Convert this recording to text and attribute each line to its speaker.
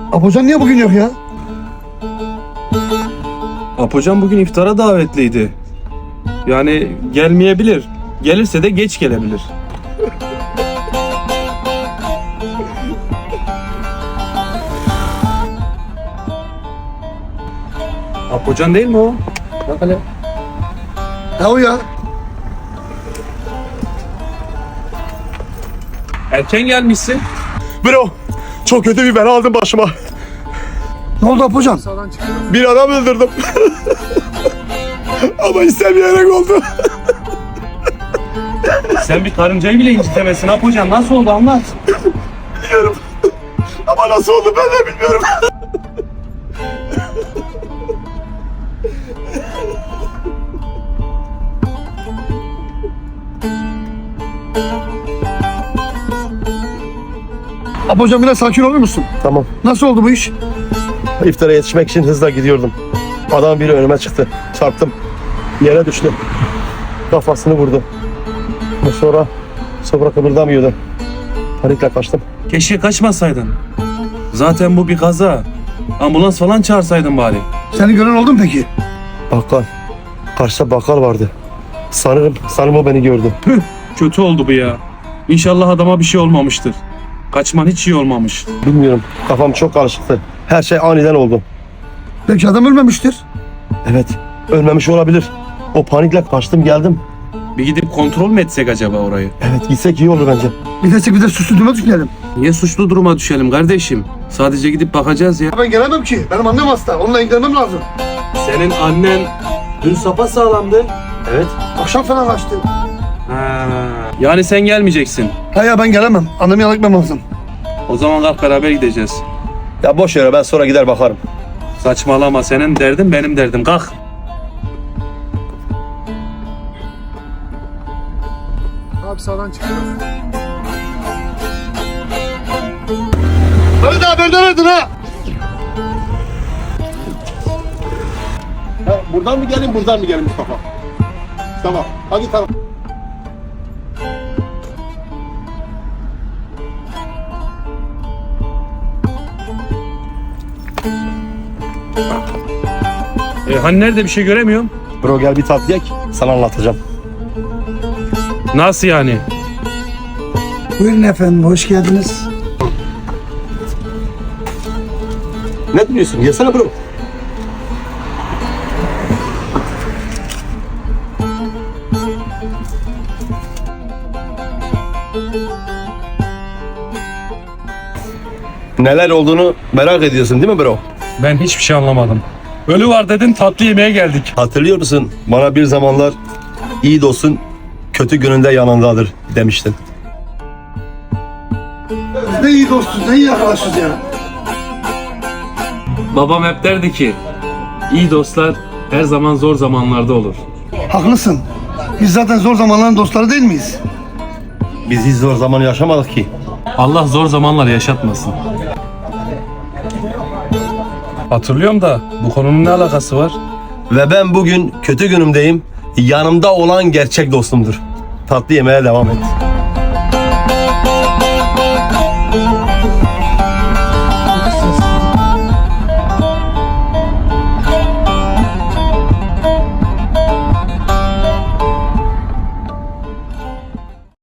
Speaker 1: Apocan niye bugün yok ya?
Speaker 2: Apocan bugün iftara davetliydi. Yani gelmeyebilir. Gelirse de geç gelebilir. Apocan değil mi o? Bak hele.
Speaker 1: Ha o ya.
Speaker 2: Erken gelmişsin.
Speaker 3: Bro, çok kötü bir bela aldım başıma.
Speaker 1: Ne oldu Apocan?
Speaker 3: Bir adam öldürdüm. Ama istemeyerek oldu.
Speaker 2: Sen bir karıncayı bile incitemesin Apocan. Nasıl oldu anlat.
Speaker 3: Biliyorum. Ama nasıl oldu ben de bilmiyorum.
Speaker 1: Apocan biraz sakin olur musun?
Speaker 3: Tamam.
Speaker 1: Nasıl oldu bu iş?
Speaker 3: İftara yetişmek için hızla gidiyordum. Adam biri önüme çıktı. Çarptım. Yere düştü. Kafasını vurdu. Ve sonra kıpırdamıyordu. Panikle kaçtım.
Speaker 2: Keşke kaçmasaydın. Zaten bu bir kaza. Ambulans falan çağırsaydın bari.
Speaker 1: Seni gören oldu mu peki?
Speaker 3: Bakkal. Karşıda bakkal vardı. Sanırım o beni gördü.
Speaker 2: Kötü oldu bu ya. İnşallah adama bir şey olmamıştır. Kaçman hiç iyi olmamış.
Speaker 3: Bilmiyorum. Kafam çok karışıktı. Her şey aniden oldu.
Speaker 1: Belki adam ölmemiştir.
Speaker 3: Evet. Ölmemiş olabilir. O panikle kaçtım geldim.
Speaker 2: Bir gidip kontrol mü etsek acaba orayı?
Speaker 3: Evet gitsek iyi olur bence.
Speaker 1: Bir de suçlu duruma düşmeyelim.
Speaker 2: Niye suçlu duruma düşelim kardeşim? Sadece gidip bakacağız ya.
Speaker 1: Ben gelemem ki. Benim annem hasta. Onunla ilgilenmem lazım.
Speaker 2: Senin annen dün sapasağlamdı.
Speaker 3: Evet.
Speaker 1: Akşam falan kaçtı.
Speaker 2: Ha. Yani sen gelmeyeceksin.
Speaker 1: Ha ya ben gelemem. Annemi yalıkmam lazım.
Speaker 2: O zaman kalk beraber gideceğiz.
Speaker 3: Ya boş yere ben sonra gider bakarım.
Speaker 2: Saçmalama, senin derdin benim derdim. Kalk.
Speaker 4: Abi sağdan çıkıyoruz.
Speaker 1: Hadi daha benden aradın ha.
Speaker 3: Buradan mı gelin buradan mı gelin Mustafa? Tamam. Hadi tamam.
Speaker 2: Hani nerede bir şey göremiyorum?
Speaker 3: Bro gel bir tatlı yek. Sana anlatacağım.
Speaker 2: Nasıl yani?
Speaker 1: Buyurun efendim. Hoş geldiniz.
Speaker 3: Ne diyorsun? Yesene bro. Neler olduğunu merak ediyorsun değil mi bro?
Speaker 2: Ben hiçbir şey anlamadım. Ölü var dedin, tatlı yemeğe geldik.
Speaker 3: Hatırlıyor musun? Bana bir zamanlar iyi dostun kötü gününde yanındadır demiştin.
Speaker 1: Ne iyi dostuz, ne iyi arkadaşız ya.
Speaker 2: Babam hep derdi ki, iyi dostlar her zaman zor zamanlarda olur.
Speaker 1: Haklısın. Biz zaten zor zamanların dostları değil miyiz?
Speaker 3: Biz hiç zor zaman yaşamadık ki.
Speaker 2: Allah zor zamanlar yaşatmasın. Hatırlıyorum da bu konunun ne alakası var?
Speaker 3: Ve ben bugün kötü günümdeyim. Yanımda olan gerçek dostumdur. Tatlı yemeye devam et.